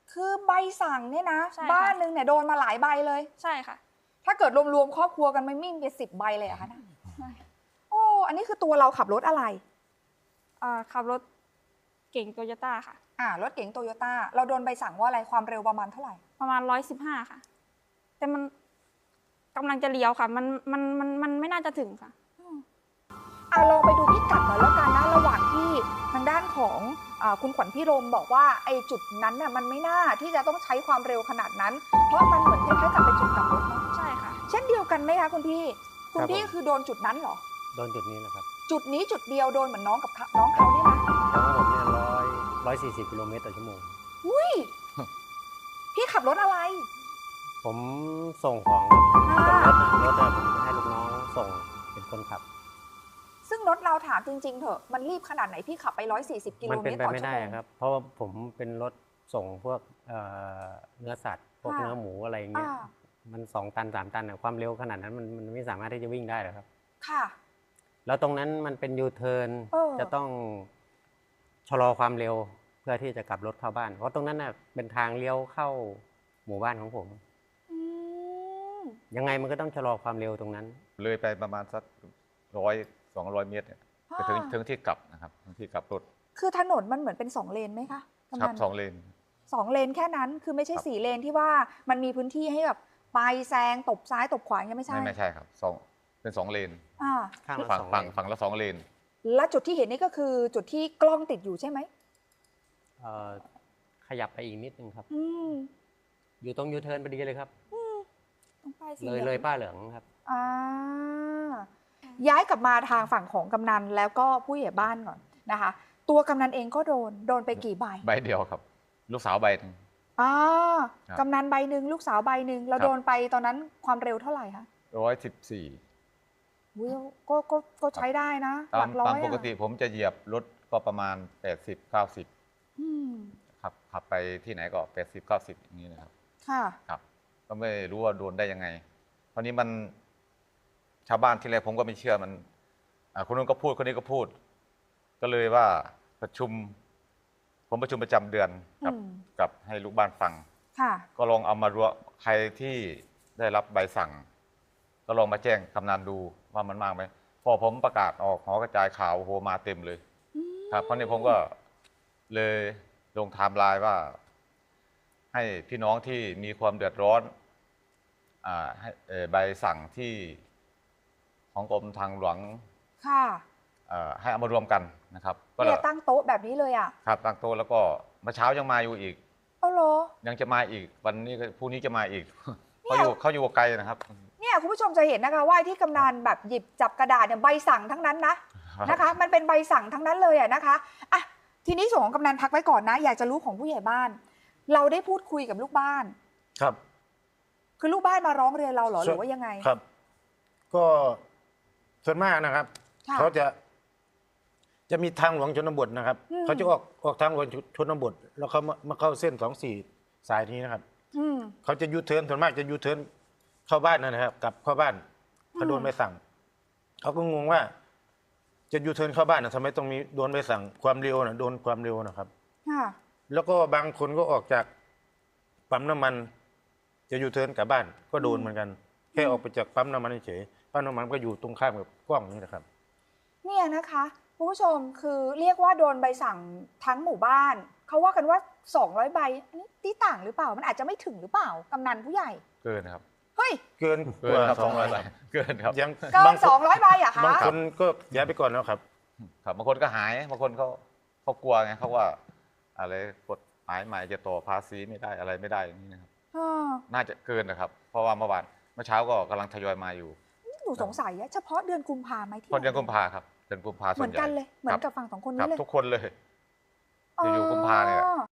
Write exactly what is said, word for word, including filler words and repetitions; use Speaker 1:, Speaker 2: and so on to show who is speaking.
Speaker 1: คือใบสั่งเนี่ยนะ
Speaker 2: ใช่
Speaker 1: บ้าน
Speaker 2: ค่ะ
Speaker 1: หนึ่งเนี่ยโดนมาหลายใบเลย
Speaker 2: ใช่ค่ะ
Speaker 1: ถ้าเกิดรวมๆครอบครัวกันไม่มิ่งเป็นสิบใบเลยเหรอะคะนะ
Speaker 2: ใช่
Speaker 1: โอ้อันนี้คือตัวเราขับรถอะไร
Speaker 2: อ่าขับรถเก่งโตโยต้าค่ะ
Speaker 1: อ่ารถเก๋งโตโยต้าเราโดนใบสั่งว่าอะไรความเร็วประมาณเท่าไหร่
Speaker 2: ประมาณร้อยสิบห้าค่ะ แต่มันกำลังจะเลี้ยวค่ะ มันมันมันมันไม่น่าจะถึงค่ะ
Speaker 1: อ่าลองไปดูพิกัดหน่อยแล้วกันนะระหว่างที่ทางด้านของอาคุณขวัญพิรมบอกว่าไอ้จุดนั้นน่ะมันไม่น่าที่จะต้องใช้ความเร็วขนาดนั้น เพราะมันเหมือนคล้ายๆกับเป็นจุดกลับรถเนาะ
Speaker 2: ใช่ค่ะ
Speaker 1: เช่นเดียวกันไหมคะคุณพี่คุณ
Speaker 3: ครับ
Speaker 1: พี่
Speaker 3: ผม
Speaker 1: คือโดนจุดนั้นเหรอ
Speaker 3: โดนจุดนี้นะครับ
Speaker 1: จุดนี้จุดเดียวโดนเหมือนน้องกับเขาน้องเขาเนี่ยนะ
Speaker 3: แล้วของผมเนี่ยร้อยร้อยสี่สิบกิโลเมตรต่อชั่วโมง
Speaker 1: อุ้ยพี่ขับรถอะไร
Speaker 3: ผมส่งของครับรถน่ะรถน่ะผมให้ลูกน้องส่งเป็นคนขับ
Speaker 1: ซึ่งรถเราถามจริงๆเถอะมันรีบขนาดไหนพี่ขับไปร้อยสี่สิบกิโล
Speaker 3: มัน
Speaker 1: เม
Speaker 3: เป็น
Speaker 1: ตร
Speaker 3: ไป
Speaker 1: ต่อ
Speaker 3: ไม่
Speaker 1: ชั่ว
Speaker 3: ได้
Speaker 1: โมง
Speaker 3: ครับ เพราะว่าผมเป็นรถส่งพวกเอ่อเนื้อสัตว์ พวก
Speaker 1: ค่ะ
Speaker 3: เนื้อหมูอะไรอย่างเงี้ย
Speaker 1: อ่า
Speaker 3: มันสองตันสามตันอะความเร็วขนาดนั้นมันมันไม่สามารถที่จะวิ่งได้หรอกครับ
Speaker 1: ค่ะ
Speaker 3: แล้วตรงนั้นมันเป็นยูเทิร์น
Speaker 1: เออ
Speaker 3: จะต้องชะลอความเร็วเพื่อที่จะกลับรถเข้าบ้าน เพราะตรงนั้นน่ะเป็นทางเลี้ยวเข้าหมู่บ้านของผม
Speaker 1: อืม
Speaker 3: ยังไงมันก็ต้องชะลอความเร็วตรงนั้น
Speaker 4: เลยไปประมาณสักร้อยสองร้อยเมตรเนี่ยจะถึง
Speaker 1: อ่า
Speaker 4: ถึงที่กลับนะครับถึงที่กลับรถ
Speaker 1: คือถนนมันเหมือนเป็นสองเลนไหมคะประ
Speaker 4: ครั
Speaker 1: มา
Speaker 4: บ
Speaker 1: ณ
Speaker 4: สองเลน
Speaker 1: สองเลนแค่นั้นคือไม่ใช่
Speaker 4: ครับ
Speaker 1: สี่เลนที่ว่ามันมีพื้นที่ให้แบบไปแซงตบซ้ายตบขวายังไม่ใช่
Speaker 4: ไม่ไม่ใช่ครับสองเป็นสองเลน
Speaker 1: อ่า
Speaker 3: ข้างละ
Speaker 4: ฝั่ง
Speaker 3: สอง
Speaker 4: ฝั่ง
Speaker 3: เลน
Speaker 4: ฝั่งละสองเลน
Speaker 1: และจุดที่เห็นนี่ก็คือจุดที่กล้องติดอยู่ใช่ไหม
Speaker 3: เอ่อขยับไปอีกนิดนึงครับ
Speaker 1: อืม
Speaker 3: อยู่ตรงยูเทิร์นพอดีเลยครับ
Speaker 1: ต้องไปสี
Speaker 3: เลย
Speaker 1: หอง
Speaker 3: เลยป้ายเหลืองครับ
Speaker 1: อ่าย้ายกลับมาทางฝั่งของกำนันแล้วก็ผู้ใหญ่บ้านก่อนนะคะ ตัวกำนันเองก็โดนโดนไปกี่ใบ
Speaker 4: ใบเดียวครับ ลูกสาวใบหนึ่ง
Speaker 1: อ่า
Speaker 4: ครับ
Speaker 1: กำนันใบหนึ่งลูกสาวใบหนึ่งเรา
Speaker 4: ครับ
Speaker 1: โดนไปตอนนั้นความเร็วเท่าไหร่คะ
Speaker 4: ร้อยสิบสี่
Speaker 1: อุ๊ยก็ก็ก็ใช้ได้นะห
Speaker 4: ตา
Speaker 1: ลั
Speaker 4: ม
Speaker 1: กร้อ
Speaker 4: ตาม
Speaker 1: ย
Speaker 4: ปก
Speaker 1: อะ
Speaker 4: ติผมจะเหยียบรถก็ประมาณแปดสิบเก้าสิบ
Speaker 1: อืม
Speaker 4: ขับขับไปที่ไหนก็แปดสิบเก้าสิบอย่างนี้นะครับ
Speaker 1: ค่ะ
Speaker 4: ครับ ก็ไม่รู้ว่าโดนได้ยังไงคราวนี้มันชาวบ้านที่แรกผมก็ไม่เชื่อมันอ่าคนนู้นก็พูดคนนี้ก็พูด ก็เลยว่าประชุม ผมประชุมประจำเดือนกับ
Speaker 1: อืม
Speaker 4: กับให้ลูกบ้านฟัง
Speaker 1: ค่ะ
Speaker 4: ก็ลองเอามารวมใครที่ได้รับใบสั่ง ก็ลองมาแจ้งกำนันดูว่ามันมากไหมพอผมประกาศออกหอกระจายข่าวโอ้โหมาเต็มเลย ครับเพราะนี้ผมก็เลยลงไทม์ไลน์ว่า ให้พี่น้องที่มีความเดือดร้อนอ่าให้เอ่อใบสั่งที่ของกรมทางหลวง
Speaker 1: ค่ะ
Speaker 4: เอ่อให้เอามารวมกันนะครับ ก็
Speaker 1: เนี่ยตั้งโต๊ะแบบนี้เลยอ่ะ
Speaker 4: ครับตั้งโต๊ะแล้วก็เมื่อเช้ายังมาอยู่อีก
Speaker 1: เอาเหรอ
Speaker 4: ยังจะมาอีก วันนี้ก็พรุ่งนี้จะมาอีก
Speaker 1: เนี่
Speaker 4: เขา
Speaker 1: ย
Speaker 4: อยู่เขาอยู่ไกลนะครับ
Speaker 1: เนี่ยคุณผู้ชมจะเห็นนะคะว่าที่กำนันแบบหยิบจับกระดาษเนี่ยใบสั่งทั้งนั้นนะนะคะ มันเป็นใบสั่งทั้งนั้นเลยอะนะคะอ่ะทีนี้ส่วนของกำนันพักไว้ก่อนนะ อยากจะรู้ของผู้ใหญ่บ้าน เราได้พูดคุยกับลูกบ้าน
Speaker 5: ครับ
Speaker 1: คือลูกบ้านมาร้องเรียนเราเหรอห
Speaker 5: ส่
Speaker 1: รื
Speaker 5: วน
Speaker 1: อว่ายังไง
Speaker 5: ครับ ก็ส่วนมากนะครับ
Speaker 1: ค่ะ
Speaker 5: เขาจะ จะมีทางหลวงชนบทนะครับ
Speaker 1: อืม
Speaker 5: เขาจะออกออกทางหลวงชนบท แล้วเขามามาเข้าเส้นสองสี่สายนี้นะครับ
Speaker 1: อืม
Speaker 5: เขาจะยูเทิร์นส่วนมากจะยูเทิร์นเข้าบ้านนั่นนะครับกลับเข้าบ้านเขาโดน
Speaker 1: อืม
Speaker 5: ใบสั่งเขาก็งงว่า จะยูเทิร์นเข้าบ้านนะทำไมต้องมีโดนใบสั่งความเร็วนะโดนความเร็วนะครับ
Speaker 1: ค่ะ
Speaker 5: แล้วก็บางคนก็ออกจากปั๊มน้ำมัน จะยูเทิร์นกลับบ้าน ก็โดนเหมือนกัน แค่ออกไปจากปั๊มน้ำมันเฉยๆปั๊มน้ำมันก็อยู่ตรงข้ามกับกล้องนี่นะครับ
Speaker 1: เนี่ยนะคะคุณผู้ชมคือเรียกว่าโดนใบสั่งทั้งหมู่บ้าน เขาว่ากันว่าสองร้อยใบอันนี้ตีต่างหรือเปล่า มันอาจจะไม่ถึงหรือเปล่ากำนันผู้ใหญ่
Speaker 4: เกินครับ
Speaker 1: เฮ้ย
Speaker 5: เกิน
Speaker 4: เกินครับสองร้อยใบเกินครับ
Speaker 5: ยัง
Speaker 1: เกิ
Speaker 5: บาน งค
Speaker 1: สอน งร้อยใบอะ
Speaker 5: บาง
Speaker 1: คะ
Speaker 5: คนก็ย้ายไปก่อนแล้วครับ
Speaker 4: ครับบางคนก็หายบางคนเขาเขากลัวไงเขาว่า อะไรกฎหมายใหม่จะต่อภาษีไม่ได้อะไรไม่ได้อย่างนี้นะครับ
Speaker 1: อ่า
Speaker 4: น่าจะเกินนะครับ เพราะว่าเมื่อวานเมื่อเช้าก็กำลังทยอยมาอยู่
Speaker 1: หนูสงสัยอะเฉพาะเดือนกุมภาไหมที่
Speaker 4: คนเดือนกุมภาครับเดือนกุมภา
Speaker 1: เห
Speaker 4: ส่
Speaker 1: มื
Speaker 4: ว
Speaker 1: อน น
Speaker 4: ใหญ่
Speaker 1: กันเลย เหมือน
Speaker 4: ค
Speaker 1: กั
Speaker 4: รั
Speaker 1: บบ ฝั่งสองคน
Speaker 4: ครั
Speaker 1: นี้
Speaker 4: บ
Speaker 1: เลย
Speaker 4: ทุกคนเลย อยู่ๆกุมภาเนี่ย
Speaker 1: อ๋อ